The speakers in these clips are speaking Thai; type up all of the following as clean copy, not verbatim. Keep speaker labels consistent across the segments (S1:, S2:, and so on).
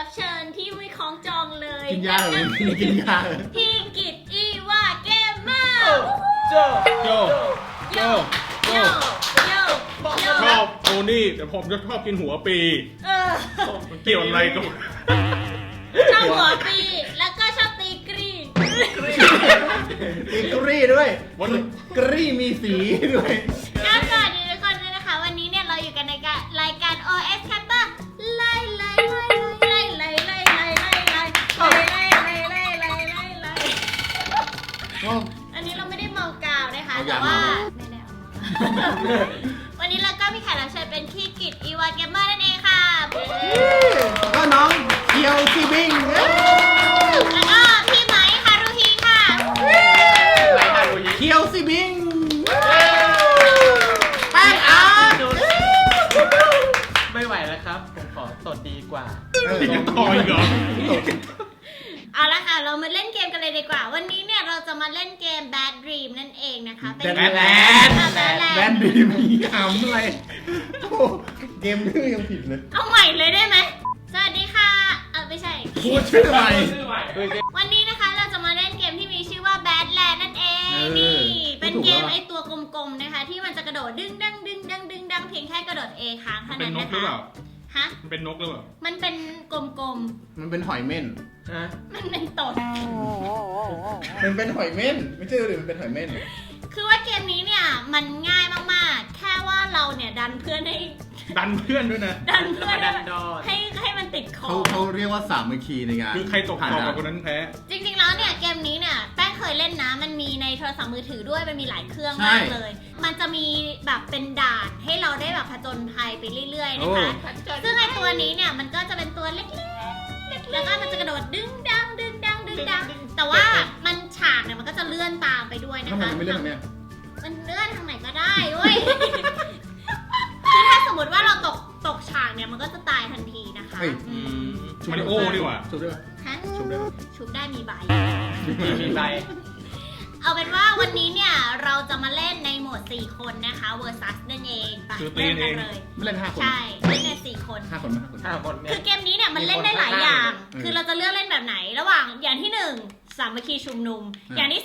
S1: รับเชิญที่ไม่คล้องจองเลย
S2: กินยาเลยกินยาเลย
S1: พี่กิตอีวาเกมเมอร์
S3: โจ
S1: โยโยโยโย
S3: ชอบโทนี่แต่ผมจะชอบกินหัวปี
S1: เออ
S3: มันเกี่ยวอะไรกับ
S1: ชอบหัวปีแล้วก็ชอบตีกรีน
S2: มีกรีด้วย
S3: วัน
S2: กรีมีสีด้วย
S1: ก็สวัสดีทุกคนด้วยนะคะวันนี้เนี่ยเราอยู่กันในรายการ OS Capper ไล่อันนี้เราไม่ได้เมากาวนะคะแต่ว่าไม่ได้เอาวันนี้เราก็มีแขกรับเชิญเป็นพี่กิตอีวาเกมเมอร์นั่นเองค่ะ
S2: ก็น้องเคียวซีบิง
S1: แล้วก็พี่ไหมฮารุฮีค่ะ
S2: เคียวซีบิงแป้งอาร์ต
S4: ไม่ไหวแล้วครับ ผมขอสดดีกว่า
S3: ยังต่ออีกเหรอ
S1: เอาละค่ะเรามาเล่นเกมกันเลยดีกว่าวันนี้เนี่ยเราจะมาเล่นเกม Bad Dream นั่นเองนะคะเป็น
S2: แบนดีมีหำอะไรโอ้เกมชื่อยังผิดเลย
S1: เอาใหม่เลยได้ไหมสวัสดีค่ะไม่ใช่
S2: พูดชื่อใหม่
S1: วันนี้นะคะเราจะมาเล่นเกมที่มีชื่อว่า Badland นั่นเองนี่เป็นเกมไอตัวกลมๆนะคะที่มันจะกระโดดดึงดังดึงดังดึงดังเพียงแค่กระโดด A ค้างเท่า
S3: เป็
S1: นั้น น
S3: นก
S1: นะ
S3: หรือเป
S1: คะ
S3: ล่า
S1: ฮะ
S3: มันเป็นนกหรือเปล่า
S1: มันเป็นกลม
S2: มันเป็นหอยเม่น
S4: ฮะ
S1: ๆมันเป็นตด
S2: มันเป็นหอยเม่นไม่ใช่เลยมันเป็นหอยเม่น
S1: คือว่าเกมนี้เนี่ยมันง่ายมากๆแค่ว่าเราเนี่ยดันเพื่อนให้
S3: ดันเพื่อนด้วยนะ
S1: ดันเพื่อน
S4: ดันดอด
S1: ให้มันติดคอ
S2: เขาเรียกว่าสามัคคีในงาน
S3: คือใครตกต่อกับคนนั้นแพ้
S1: จริงๆ แล้วเนี่ยเกมนี้เนี่ยแป้งเคยเล่นนะมันมีในโทรศัพท์มือถือด้วยมันมีหลายเครื่องมากเลย มันจะมีแบบเป็นด่านให้เราได้แบบผจญภัยไปเรื่อยๆนะคะซึ่งไอตัวนี้เนี่ยมันก็จะเป็นตัวเล็กๆแล้วก็มันจะกระโดดดึงดังดึงดังดึงดังแต่ว่ามันฉากเนี่ยมันก็จะเลื่อนตามไปด้วยนะ
S2: ทำไม
S1: คะ
S2: มันไม่เล่นแบบเนี้ย
S1: มันเลื่อนทางไหนก็ได้เว้ย คือถ้าสมมติว่าเราตกฉากเนี่ยมันก็จะตายทันทีนะคะ
S2: เฮ้ย
S3: มาริโอดีกว่า
S2: ชุบได้ปะ
S1: ฮะ
S2: ชุบได้ปะ
S1: ชุบได้มีใบ
S4: มีใบ
S1: เอาเป็นว่าวันนี้เนี่ยเราจะมาเล่นในโหมด 4 คนนะคะ versus นั่นเองไป
S3: คือตี
S1: เล่น
S3: เอ
S1: กัน
S3: ง
S1: เลย
S2: ไม่เล่น5 คน
S1: ใช่เล่นใน4 คน
S2: 5 คนไหม5 คน
S4: 5 คนเนี่
S1: คื
S4: ย
S1: อเกมนี้เนี่ยมันเล่นได้หลายอย่าง
S2: มีคน
S1: คือเราจะเลือกเล่นแบบไหน ระหว่างอย่างที่ 1 สามัคคีชุมนุม อย่างที่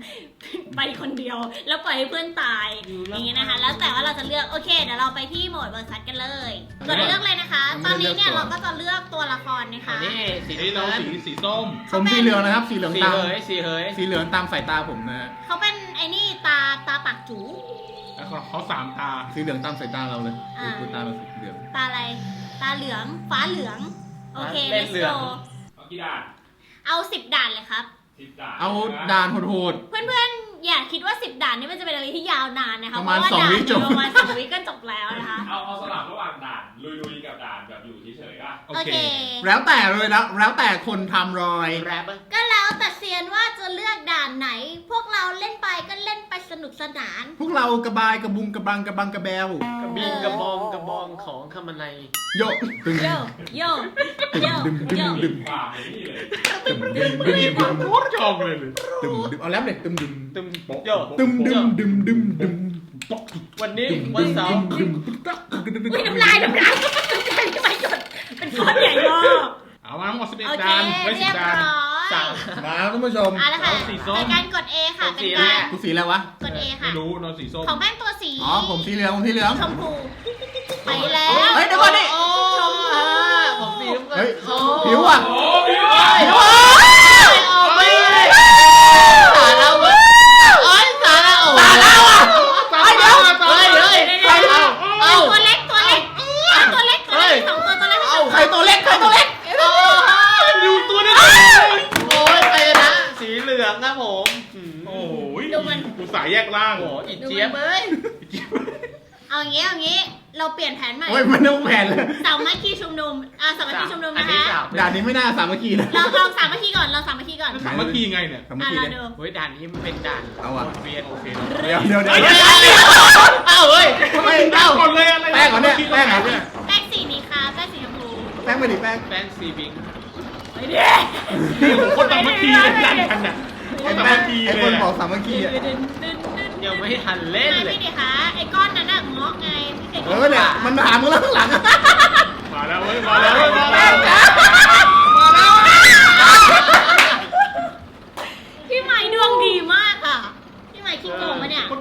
S1: 2 ไปคนเดียว แล้วปล่อยให้เพื่อนตายอย่างนี้นะคะ แล้วแต่ว่าเราจะเลือกโอเคเดี๋ยวเราไปที่โหมด versus กันเลยกดเลือกเลยนะคะ ตอนนี้เนี่ยเราก็จะเลือกตัวละครนะคะ
S4: อันนี้สี
S3: นี่เรา
S4: น้ำ
S3: สีส้ม
S2: ผมสีเหลืองนะครับ สีเหลือง
S4: สี
S2: ตาม
S4: เหยสีเหย
S2: สีเหลืองตามสายตาผมนะฮะ
S1: เขาเป็นไอ้นี่ตาปากจู
S3: แล้วเขาสามตา
S2: สีเหลืองตามสายตาเราเลยดูตาเราสีเหลือง
S1: ตาอะไร ตาเหลือง ฟ้าเหลือง โอเค
S4: เล่น
S1: let's
S4: เหลือง
S1: go
S5: เอากี่ด่าน
S1: เอา 10 ด่านเลยครับ
S5: 10 ด่าน
S2: เอาด่านโหด
S1: เพื่อนๆ อย่าคิดว่า 10 ด่านนี่มันจะเป็นอะไรที่ยาวนานนะคะ
S2: ประมาณ
S1: เพว่
S2: 2 วิจบ
S1: ประมาณ2 วิก็จบแล้วนะคะ
S5: เอาสลับระหว่างด่านลุยๆกับด่านแบบอยู่เฉยๆป่ะ
S3: โอ
S1: โอ
S3: เค
S1: เค
S2: ๆแล้วแต่เลยนะแล้วแต่คนทำรอย
S4: แรปอะ
S1: ก็แล้วแต่เซียนว่าจะเลือกด่านไหน พวกเราเล่นไปก็เล่นไปสนุกสนาน
S2: พวกเรากระบายกระบุงกระบังกระบังกระแบว
S4: กระบิงกระบองกระบองของคำมันใน
S2: โยตึง
S1: โยโยโย
S2: ดึมดึม
S1: โย
S2: ดึม
S5: ฝ่าไปนี่เลย
S2: ตึมดึมดึม
S3: นี่
S2: ดึ
S3: ผม
S2: ม
S3: โคตรชอบเลย
S2: ตึมดึมเอาแล้วเลยตึมดึม
S4: ตึมโย
S2: ตึมดึมดึมดึมดึม
S4: วันนี้วันเสาร์
S2: ดึม
S1: อุ้ยน้ำลายที่มาหยดเป็นก้อนใหญ่มาก
S3: เอามาทั้งหมด
S1: โอ
S3: 11
S1: เค
S3: ด่านไว้
S1: เรียบ
S3: 10 ด่าน
S1: ร้อย
S4: สาม
S2: มาท่านผู้ชม
S1: เอาละค่ะ
S3: เอาสีส้ม
S1: เป็นการกด A ค่ะ
S4: เป็นสี
S1: เป็นการ
S2: กูสีอะไรวะ
S1: กด A ค่ะ
S3: ไม่รู้นอนสีส้ม
S1: ของแป้งตัวสี
S2: อ๋อผมสีเหลืองผมสีเหลือง
S1: ชมพูไปแล้ว
S2: เฮ้ยเดี๋ยวก่อนดิ
S4: โอ้ผมสีน้ำเงิน
S2: เฮ้ย
S4: โอ้
S2: ผิวอ่ะ
S5: โอ้พี่
S4: ไม่สาระเว้ยโอ้ยสาระโอ้สาระว่ะ
S2: ไอ้เดี๋ยว
S4: เฮ้ยเฮ้ย
S1: เดี๋ยว
S4: เอา
S1: ตัวเล็กตัวเล็กตัวเล็กตัวเล็กสองตัวเล็ก
S2: เอ้าใครตัวเล็กใครตัวเล็ก
S3: อยู่ตัวนี้
S4: โอ้ยใครนะสีเหลืองนะผมอืม
S3: โอ้ยกูสายแยกล่าง
S4: โอ้โหอีเจี๊ยบเอ้ย
S1: เอาอย่างงี้เราเปลี่ยนแผนใหม่
S2: โอ้ยมันต้องแผนเลย
S1: สามัคคีชุมนุมสามัคคีชุมนุม
S4: อั
S1: นะคะ
S4: สาม
S2: ด่านนี้ไม่น่าสามัคคีนะ
S1: เราลองสามัคคีก่อนเราสามัคคีก่อน
S3: สามัคคีไงเนี่ย
S2: สามัคคี
S1: เรา
S2: เนี่ย
S1: ดู
S4: เฮ้ยด่านนี้มันเป็นด่าน
S2: เอาอะ
S4: เวียนโอเค
S2: เดี๋ยวเดี๋ยวเดี๋ยว
S4: เอ้าเฮ้ย
S2: ไม่
S3: แป้
S2: เอ้าง
S3: ก่อนเลยอะไร
S2: แป้งเหรอเนี่ยแป้งเหรอเนี่ย
S1: แป้งสีนี้ค่ะแป้งสีชมพู
S2: แป้งไปดิแป้ง
S4: แป้งซีบิง
S1: ไปดิ
S3: นี่ผมคนสามัคคีเลยดันกันน่ะค
S2: ไอ้
S3: นสา
S2: แป้
S3: มั
S2: ง
S3: คคี
S2: ไอ้
S3: เล
S2: คน
S3: ย
S2: บอกสามัคคีอ่ะ
S4: ยังไม่ทันเล่นเลย
S1: พี่ดิคะไอ้ก้อนนั้นน่ะเงาะไงพี่เด็ก
S2: เนี่ยมันมาหามึงแล้วข้างหลัง
S3: มาแล้วเว้ยมาแล้วมาแล้ว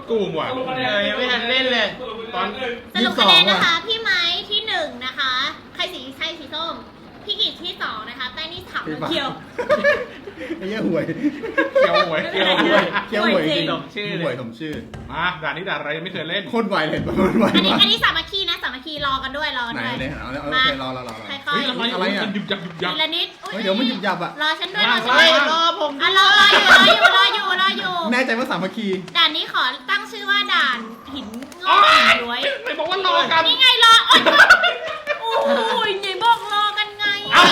S3: กุ้งว่ะ
S4: ยังไม่ทันเล่นเลย
S3: ตอน
S1: สรุปคะแนนนะคะ พี่ไม้ที่1นะคะ ใครสีส้ม พี่กิจที่2นะคะ แป้งที่3แล้วเคียว
S2: ไอ้เหี้ยห่วย
S3: เคียวหวยเคียวหวย
S2: เขี้ยวห่วยจริง
S4: สมชื่อเลย
S2: ห่วยสมชื่อ
S3: มาด่านนี้ด่านอะไรยังไม่เคยเล่น
S2: โคตรไวเลยโคตรไว
S1: อันนี้
S2: มาก
S1: อันนี้สามัคคีนะสามัคคีรอกันด้วยรอกัน
S2: ไหน
S1: ด้วย
S2: เนี่ยเอาโอเครอ
S1: ค่
S3: เฮ้ย
S1: อย
S3: อะไร
S2: อะไรอ่ะ
S3: มันยุบยับยุบยับ
S1: ๆทีละนิด
S2: เฮ้ยเดี๋ยวมันหยุบยับอ่ะ
S1: รอฉันด้วยรอฉัน
S4: เฮ้
S1: ด้วย ย
S4: รอผม
S1: อ่ะรออยู่
S2: แน่ใจว่าสามัคคี
S1: ด่านนี้ขอตั้งชื่อว่าด่านหินงอกหินย้วย
S3: ไม่บอกว่ารอกัน
S1: นี่ไงรอโอ้ยไหนบอกรอกันไง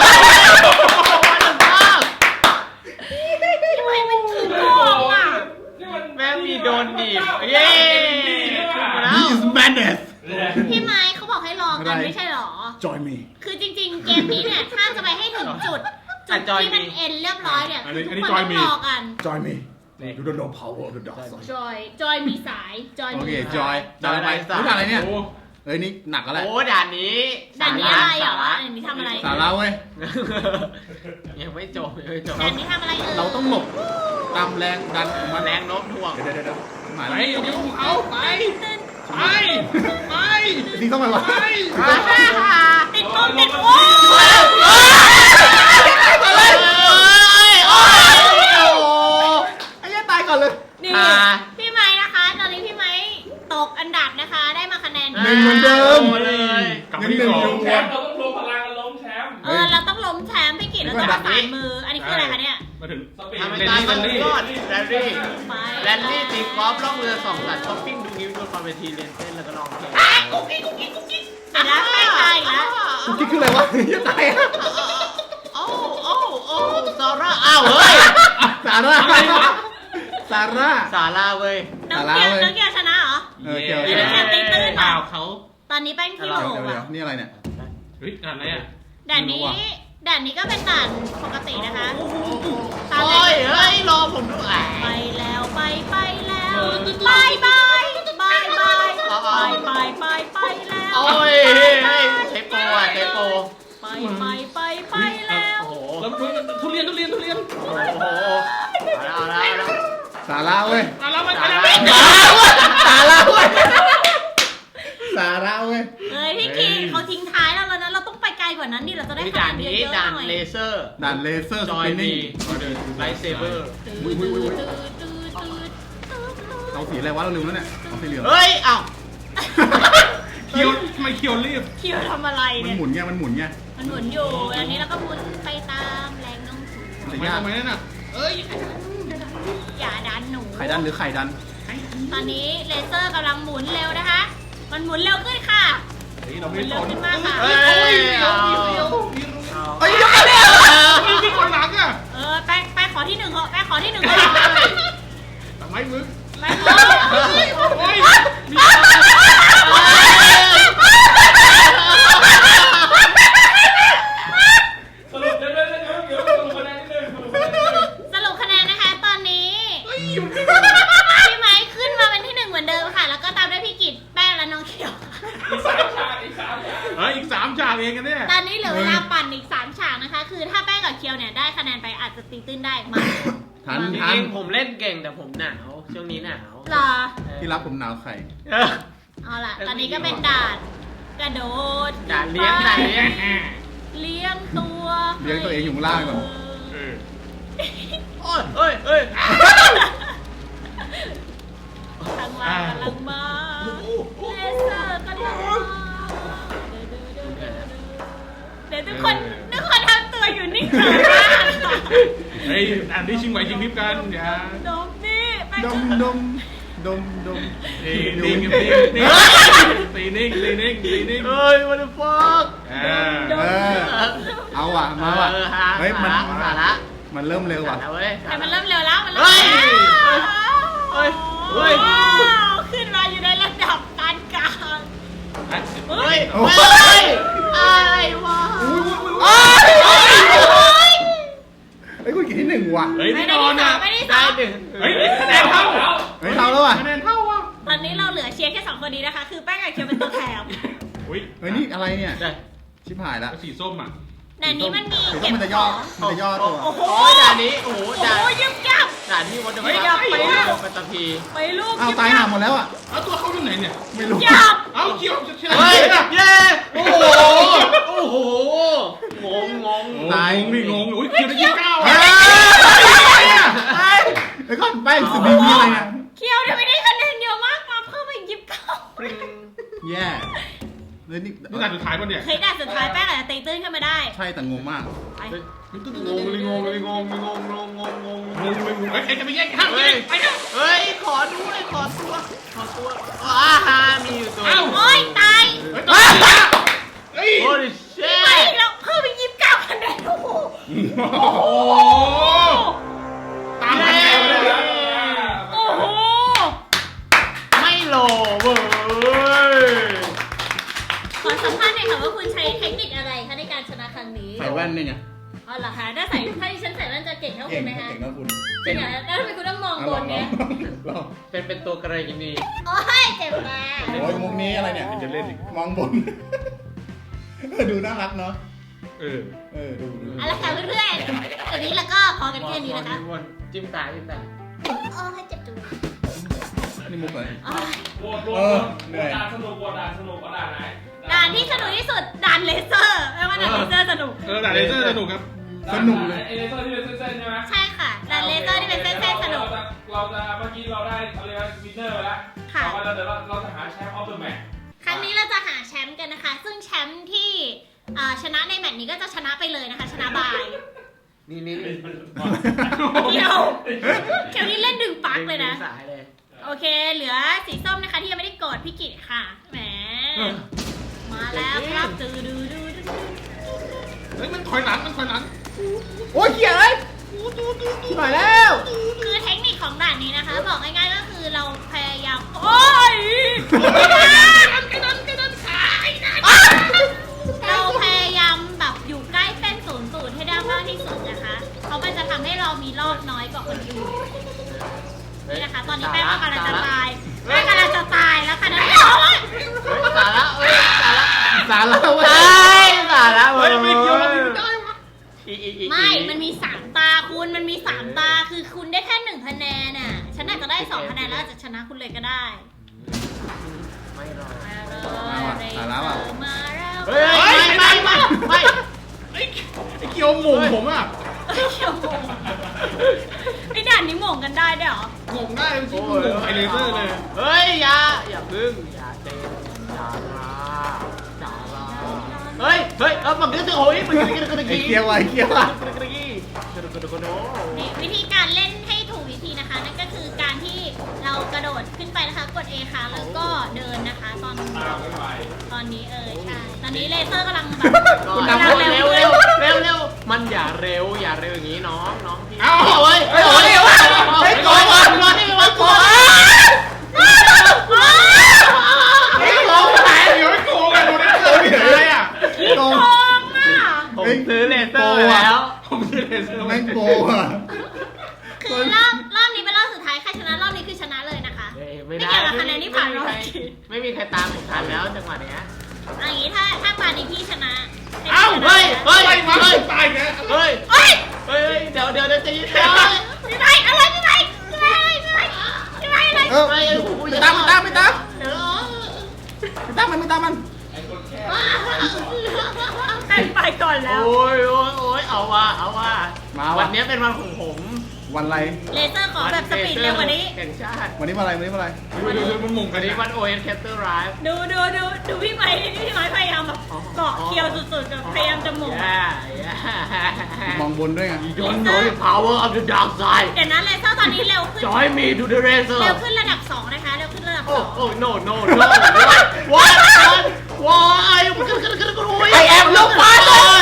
S1: ทำไมมันถึงโกงอ่ะ
S4: แม่มีโดนดีบเย้ขึ้นมาแล้ว
S2: This is madness
S1: พี่ไม้เขาบอกให้รอกันไม่ใช่หรอ
S2: Join me
S1: คือจริงๆ เกมนี้เนี่ย ถ้าจะไปให้ถึงจุดที่มันเอ็นเรียบร้อยเนี่ยคือทุกคนต้องรอกัน
S2: Join me You don't know power of the dark side
S1: จอยมีสายจอย
S2: โอ
S1: มี
S2: เค
S1: สาย
S2: Joy ด่าอะไรรู้ด่าอะไรเนี่ย
S3: โอ้
S2: เฮ้ยนี่หนักแล้วแหละ
S4: โอ้ด่านนี้
S1: ด่านนี้อะไรเหรอด่านนี้ทำอะไร
S2: สาระเว้ย
S4: ยังไม่จบยังไม่จบ
S1: ด่านนี้ทำอะไร
S2: เราต้องหลบตามแรงดันของมัน
S4: แรงโน้มถ่วง
S2: เดี๋ยวหมาย
S3: ไป
S2: แล้ว
S3: เดี๋ยวเอาไป
S1: ตื่น
S3: ไปไป
S2: ทีต้องไปวะ
S3: ไป
S1: ติดโกงติดโอ้
S2: ไอ้เหี้ยตายก่อนเลย
S1: นี่พี่ไม้นะคะ ตอนนี้พี่ไม้ตกอันดับนะคะ ได้มาคะแนน
S2: หนึ่งเหมือนเดิม
S4: เลย
S3: กลับมาที่สอง
S5: แชมป์เราต้องรวมพลังกันล้มแชมป์
S1: เราต้องล้มแชมป์พี่กิตเราต้องประสานมือ อันนี้คืออะไรคะเนี่ย
S3: มาถึง
S5: สปีด
S4: ทำให้ตายมันรอดแรลลี่
S1: ไป
S4: แรลลี่ตีกอล์ฟล่องเรือสองสัตว์ช้อปปิ้งดูนิ้วดูคอนเวทีเรียนเต้นแล้วก็ร้องเพลง
S1: เสร็จแล้วแป้งตายอีกแล้ว
S2: กูคิดคืออะไรวะจะตายอ่ะ
S4: โอ้ซาร่าอ้าวเฮ้ย
S2: สาระสาระ
S4: ซาร่าเว้ย
S1: น้องเกียวน้องเกียวชนะเหรอ
S2: เกี่ยว
S1: เดี๋ยวจะตีตื้น
S3: เปล่าเขา
S1: ตอนนี้แป้งที่โหล
S2: เดี๋ยว
S1: อ่ะ
S2: นี่อะไรเนี่ย
S3: เฮ้ยอะไรอ่ะ
S1: ด่านนี้ก็เป็นด่านปกตินะคะตาม
S4: โอ้ย
S1: เลย
S4: เฮ้ยรอผมด้วย
S1: ไปแล้วไปแล้วบายบายบายบายไปแล้ว
S4: โอ้ยเทปโปอ่ะเทปโป
S1: ไปแล้ว
S4: โอ้โห
S3: แล้วทุเรียน
S4: โอ้โหเอาแล้ว
S2: สาระเว้ย
S3: มาแล้วไปแล้ว
S2: สาระเว้ยสาระเว้ย
S1: เฮ้ยพี่คิงเขาทิ้งท้ายเราแล้วนะเราต้องไปไกลกว่านั้นดิเราจะได้
S4: มี
S1: คะ
S4: ด่า
S1: แน
S4: น
S1: น
S4: นี้
S1: เยอะๆห
S4: ด่าน
S1: น่อย
S4: เลเซอร์
S2: ด่านเลเซอร์ส
S4: จอย
S2: ปินนิ่
S4: มี
S2: ง
S4: ไลท์เซเบอร์
S2: เอาสีอะไรวะเราลืมแล้วเนี่ยเอาสีเหลือง
S4: เฮ้ยอ้าว
S3: เคียวทำไมเคียวรีบ
S1: คิวทำอะไร
S2: มัน
S1: เนี่ย
S2: หมุนไงมันหมุนไง
S1: มันหมุนอยู่อันนี้เราก็หมุนไปตามแรงโน้มถ่วง
S2: มันจะ
S3: ทำไม
S2: ยาก
S3: ทำไมนั่นน่ะ
S1: อย่าดันหนู
S2: ไข่ดันหรือไข่ดัน
S1: ตอนนี้เลเซอร์กำลังหมุนเร็วนะคะ มันหมุนเร็วขึ้นค่ะ
S3: เฮ้ยเรา
S1: หมุ
S3: ไม่
S1: น
S3: ส
S1: เร็วน ขึ้นมากค่ะ
S4: เฮ้ยเอา
S2: เอ้ยยังไงเนี่ย
S3: มีคนหลังอ่ะ
S1: แป้งขอที่หนึ่งเหอะแป้งขอที่หนึ่งเหอะ
S3: ทำไมมึง
S1: แป้งขอ
S3: โอ้ย
S5: สรุปเดี๋ยวสรุปคะแนนนิดนึง
S1: สรุปคะแนนนะคะ ตอนนี้พี่ไม้ขึ้นมาเป็นที่หนึ่งเหมือนเดิมค่ะ แล้วก็ตามด้วยพี่กิตแป้งและน้องเขียว
S5: อีกสามฉากอีกสามฉาก
S3: เฮ้ยอีก3ฉากเองกันเนี่ย
S1: ตอนนี้เหลือเวลาปั่นอีก3ฉากนะคะ คือถ้าแป้งกับเคียวเนี่ยได้คะแนนไปอาจจะตีตื้นได้มา
S2: ทัน
S4: จ
S2: ทัน
S4: ริงๆผมเล่นเก่งแต่ผมหนาวช่วงนี้หนาว
S1: รอ
S2: ที่รับผมหนาวไข่
S1: เอาล่ะ ตอนนี้ก็เป็นด่านกระโดด
S4: ด่านเลี้ยงด่านเลี้ยง
S1: เลี้ยงตัว
S2: เลี้ยงตัวเองอยู่ข้างล่างก่อน
S3: เออ
S4: โอ้ยเอ้ยเอ้ย
S1: ทางล่างกำลังมาเลเซอร์กำลังมาเดี๋ยวทุกคนทำตัวอยู่นิ่งๆมาก
S3: เฮ้ยอันนี้ชิงไหวชิงพริบกันอย่า
S1: ดมนี่ไป
S2: ดมดมดมดม
S3: ตีนิ่งตีนิ่งตีนิ่งตีนิ่ง
S4: เฮ้ยวันฟอก
S2: เอาว่ะมาว่ะเฮ้ยมัน
S4: สาระ
S2: มันเริ่มเร็ว
S4: สา
S2: ว่ะ
S4: ระเว้ย
S1: แต่มันเริ่มเร็วแล้วมันเริ่ม
S4: เฮ้ย
S1: เร็ว
S4: เฮ้ยเฮ้ย
S1: ว้าวขึ้นมาอยู่ในระดับปานกลาง
S4: เฮ้ยเฮ้ยอะไรวะ
S2: เฮ้ยกูกี่ที่หนึ่งว่ะ
S3: เฮ้ย
S1: ไม่
S3: ไม่
S1: ได้
S3: นอน
S1: ที่สา
S3: อ่ะ
S1: มไม่ได้ที่
S4: ได้
S1: สาม
S4: หนึ่ง
S3: เฮ้ยคะแนนเท่า
S2: เฮ้ยเท่าแล้วว่ะ
S3: คะแนนเท่าอ่ะ
S1: ตอนนี้เราเหลือเชียร์แค่2คนนี้นะคะ คือแป้งกับเคียวเป็นตัวแถม
S3: อุ้ย
S2: เฮ้ยนี่อะไรเนี่ย
S4: ได้
S2: ชิบหายละ
S3: สีส้มอ่ะ
S1: แต่นี้มันมี
S2: สีส้
S1: เก็
S2: ม
S1: บ
S2: มันจะ
S1: ข
S2: ย่อ
S1: อง
S2: มันจะย่อตัว
S1: โอ้โห
S4: โอ้ยด่านนี้โอ้โห
S1: โอ้
S4: ด่าน
S1: โหยึบยับ
S4: ด่านที่วัดเดอร์
S3: เฮ้ย
S4: ฟั
S3: ไปลูก
S4: ปัตตพี
S1: ไปลูก
S2: อ้าวตายห่าหมดแล้วอ่ะ
S3: เอาตัวเขาอยู่ไหนเนี่ย
S2: ไม่รู้
S1: หยับ
S3: เอาเกี่ยวเชื่อ
S4: เฮ้ย
S3: นะ
S4: เย้โอ้โหโอ้โหงง
S3: ตายงงอุ้ยเกี่ยวได้ยี่เก้า
S2: เฮ้
S3: อ่ะ
S2: ยแล้วก็แป้งสุดดีมีอะไรเนี่ย
S1: เคียวทำไมได้คะแนนเยอะมากมาเพิ่มไป29
S4: ปริง
S2: แย่เลยนี่
S3: นี่ด่านสุดท้ายป่ะเนี่ย
S1: เฮ้ยด่านสุดท้ายแป้งอาจจะตีตื้นขึ้นมาได้
S2: ใช่แต่งงมาก
S1: ไป
S3: เฮ้ยใครจะไปแย่งข้าวกินไปนะ
S4: เฮ้ยขอด้วยขอตัวมีอยู่ตัว
S1: โอ๊ยตาย
S3: เฮ้ย
S4: โอ้ยเช่
S1: ไปอีกแล้วเพิ่มไป29คะแนนโอ้โห
S3: โอ้โหตามคะแนนเลย
S1: โอ้โห
S4: ไม่โหลเว้ย
S1: ขอสัมภาษณ์หน่อยค่ะว่าคุณใช้เทคนิคอะไรคะในการชนะครั้งนี้
S2: ใส่แว่นนี่ไง
S1: อ๋อเหรอคะถ้าดิฉันใส่แว่นจะเก่งเท่าคุ
S2: เก่
S1: ณ
S2: ง
S1: ไหมคะ
S2: เก่งนะคุณ
S1: จริงเหรอแล้วทำไมคุณต้องมองบนเนี่ย
S2: ลอง
S4: เป็นตัวกระไรกินี
S1: โอ้ยเจ็บมา
S2: โอ้ยมุกนี้อะไรเนี่ย
S3: จะเล่นอีก
S2: มองบน ดูน่ารักเนาะ ดู
S1: เอาละค่ะเพื่อนๆวันนี้แล้วก็พอกันแค่นี้นะคะ
S4: จิ้มตา
S1: โอ้ยเจ็บจุง
S2: นี่มุกเลย
S1: โอ้ย
S5: โหวตด่านสนุกด่านไหน
S1: ด่านที่สนุกที่สุดด่านเลเซอร์ไม่ว่าด่านเลเซอร์สนุก
S3: ด่านเลเซอร์สนุกครับ
S2: สนุกเลย
S5: ไอเลเซอร์ที่เป็นเส้นๆใช่ไหม
S1: ใช่ค่ะด่านเลเซอร์ที่เป็นเส้นๆสนุก
S5: เราจะเมื่อกี้เราได้อะไรนะวินเนอร์ไปแล้ว
S1: ค่ะ
S5: ต่อไปเราจะหาแชมป์ออฟเดอะแมตช์
S1: ครั้งนี้เราจะหาแชมป์กันนะคะ ซึ่งแชมป์ที่ชนะในแมตช์นี้ก็จะชนะไปเลยนะคะ ชนะบาย
S4: นี่
S1: เคียวนี่เล่นดึงปลั๊กเลยนะ
S4: สายเลย
S1: โอเค เหลือสีส้มนะคะที่ยังไม่ได้กดพี่กิตค่ะ แหม มาแล้วครับดู
S3: เฮ้ยมันถอยหลัง
S2: โอ้ยเขียนเลยชิบหายแล้ว
S1: คือเทคนิคของด่านนี้นะคะ บอกง่ายๆก็คือเราพยายามโอ้ยเราพยายามแบบอยู่ใกล้เส้น00ให้ได้มากที่สุดนะคะ เพราะมันจะทำให้เรามีรอบน้อยกว่าคนอื่นนี่นะคะ ตอนนี้แป้งก็กำลังจะตายแป้งกำลังจะตายแล้วค่ะนะโอ้ย
S4: สาระ
S2: สาระเว้ย
S4: สาระ
S3: เฮ้ยไม่เกี่ยวไม่ได้วะ
S1: ไม่ มันมี3ตาคุณมันมี3ตาคือคุณได้แค่1คะแนนน่ะฉันอาจจะได้2คะแนนแล้วอาจจะชนะคุณเลยก็ได้
S4: ไม่รอ
S1: มาแล้ว
S4: เฮ้ยไม่
S3: ไอ้เกี่ยวหมุนผมอ่ะ
S1: ไอ้ด่านนี้หม่งกันได้ด้วยเหรอ
S3: งงได้จริงงงไอเลเซอร์เลย
S4: เฮ้ยอย่าพึ่งอย่าเต้นอย่าลาเฮ้ยมันก็จะโอ้ยมันกระ
S2: ไอ้
S4: กี้
S2: เกียวไอ้เกียวอ่ะ
S4: กระกี้
S1: นี่วิธีการเล่นให้ถูกวิธีนะคะ นั่นก็คือการที่เรากระโดดขึ้นไปนะคะ กด A ค่ะแล้วก็เดินนะคะ ตอนนี้ใช่ตอนนี้เลเซอร์กำลังแบบ
S4: คุณทำเร็วมันอย่าเร็วอย่างนี้น้องพี่
S3: เอา
S4: โอ้ยโกงรอที่มันโกง
S3: ไอ้โกงไหนเดี๋ยวไอ้โกงกันดูได้เลยอ่ะ
S2: โกง
S1: โกงอ่ะ
S4: ผมซื้อเลเซอร์แล้ว
S3: ผมซื้อเลเซอร์
S2: แม่งโกงอ่ะ
S1: คือรอบนี้เป็นรอบสุดท้ายใครชนะรอบนี้คือชนะเลยนะคะ
S4: ไม่ได้
S1: เกี่ยวกับคะแนนที่ผ่านรอบ
S4: ไม่มีใครตามผมทันแล้วจังหวะเนี้ย
S1: อันนี้ถ้าตอนนี้พี่ชนะ
S3: เอ้าเฮ้ยตายแก
S4: เฮ้ย
S1: เฮ้ย
S4: เดี๋ยวจะยืน
S1: พี่ไปอะไรพี่ไปอะไร
S2: ไม่ตามมันไม่ตามมัน
S1: ไปก่อนแล้ว
S4: โอ้ยเอาว่าวันนี้เป็นวันของผม
S2: วันอะไร
S1: เลเซอร์ขอแบบสปีดเร็วกว่านี้
S4: แห่งชาติ
S2: วันนี้วันอะไร
S3: ดูมันงงกั
S4: วัน นนี้
S3: ดิ
S4: วัน OS Capture Drive
S1: ดูพี่ไม้พยายามแบบเกาะเคียวสุดๆกับพยายามจะหมุน
S2: มองบนด้วยไง
S4: Don't know the power of the dark side
S1: เดี๋ยวนั้นเลเซอร์ตอนนี้เร็วขึ้น
S4: Join me to the racer
S1: เร็วขึ้นระดับ2นะคะเร็วขึ้นระดับ
S4: Oh no What Why I am no father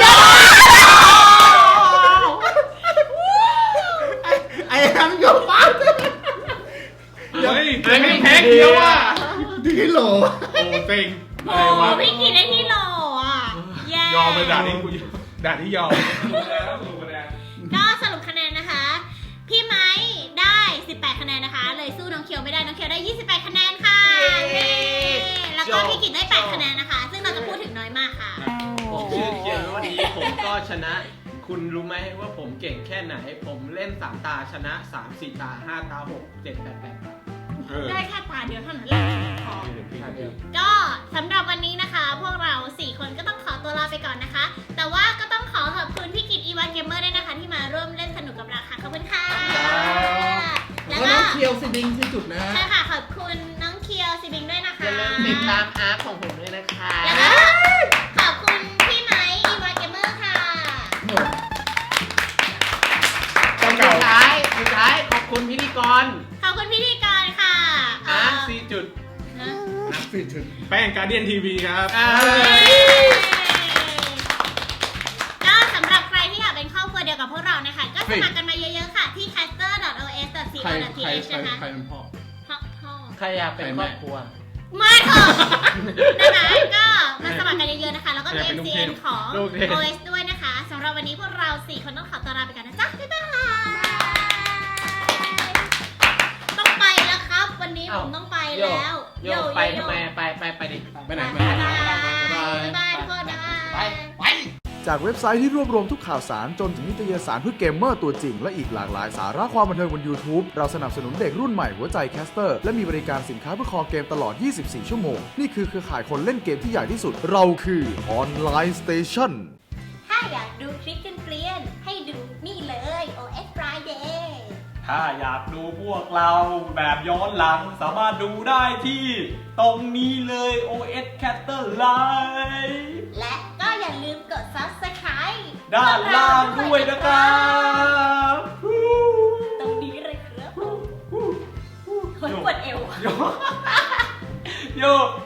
S2: ไอ้แอมโยฟ้า
S3: เฮ้ยไม่แพ้เกี่ยวอ่ะ
S2: ที่โหล
S3: โอ้เต็ง
S1: 2โอ้พี่กินได้ที่โหลอ่ะแย่
S3: ยอมเลยด่านนี้กูด่านที่ยอม
S1: ก็สรุปคะแนนนะคะ พี่ไม้ได้18คะแนนนะคะเลยสู้น้องเคียวไม่ได้น้องเคียวได้28คะแนนค่ะแล้วก็พี่กินได้8คะแนนนะคะซึ่งเราจะพูดถึงน้อยมากค่ะ
S4: ผมชื่อเคียววันนี้ผมก็ชนะคคุณรู้ไหมว่าผมเก่งแค่ไหน ผมเล่น3ตาชนะ3 4ตา5ตา6 7 8 8
S1: ได้แค่ตาเดียวเท่านั้นแหละพอก็สำหรับวันนี้นะคะ พวกเรา 4 คนก็ต้องขอตัวลาไปก่อนนะคะ แต่ว่าก็ต้องขอขอบคุณพี่กิตอีวานเกมเมอร์ด้วยนะคะ ที่มาร่วมเล่นสนุกกับเราค่ะขอบคุณค่ะ
S2: แล้
S1: แล้ว ว
S2: น้
S1: ก็
S2: องเคียวสิดิงสิจุดนะฮะ
S1: ใช่ค่ะขอบคุณน้องเคียวซิบิงด้วยนะคะ
S4: อย่าลืมติดตามอาร์ตของผมด้วยนะคะ
S1: แล้วก็ขอบคุณพี่ไม้อีวานเกมเมอร์ค่ะ
S3: เจ้า
S4: สุ
S3: เก่า
S4: ดท้ายขอบคุณพิธีกร
S1: ขอบคุณพิธีกรค่ะ
S4: อาร์ต4จุด
S1: นะ
S2: นักสิจุด
S3: แป้งการเดียนทีวีครับ
S1: ก็สำหรับใครที่อยากเป็นครอบครัวเดียวกับพวกเรานะคะ ก็สมัครกันมาเยอะๆค่ะ ที่ caster.os.co.th นะคะ
S2: ใครเป็นพ่อ
S1: พ่อ
S4: ใครอยากเป็นครอบครัว
S1: มาเถอะนะคะก็มาสมัครกันเยอะๆนะคะ แล้วก็มี
S3: อยากเป็นลูกเทพ
S1: MCN ของ
S3: ลูกเทพ
S1: OS ด้วยนะคะสำหรับวันนี้พวกเรา 4 คนต้องขอตัวลาไปก่อนนะจ๊ะ บ๊ายบายต้องไปแล้วครับ วันนี้ผมต้องไปแล้ว
S4: โยไปทำไมไปดิ
S2: ไปไหน
S1: บ๊าย
S2: ไป
S1: บาย
S2: ไหน
S1: บ๊ายบายทุกคนนะ
S4: ไป
S6: จากเว็บไซต์ที่รวบรวมทุกข่าวสารจนถึงนิตยสารเพื่อเกมเมอร์ตัวจริงและอีกหลากหลายสาระความบันเทิงบน YouTube เราสนับสนุนเด็กรุ่นใหม่หัวใจแคสเตอร์และมีบริการสินค้าเพื่อคอเกมตลอด 24 ชั่วโมง นี่คือเครือข่ายคนเล่นเกมที่ใหญ่ที่สุด เราคือออนไลน์สเตชัน
S1: ถ้าอยากดูคลิปเกลียนๆให้ดูนี่เลย OS Friday
S5: ถ้าอยากดูพวกเราแบบย้อนหลังสามารถดูได้ที่ตรงนี้เลย OS Caster Live
S1: และก็อย่าลืมกด Subscribe
S5: ด้านล่างด้วยนะครับ
S1: ตรงนี้เลยครับคนปวดเอว
S5: โย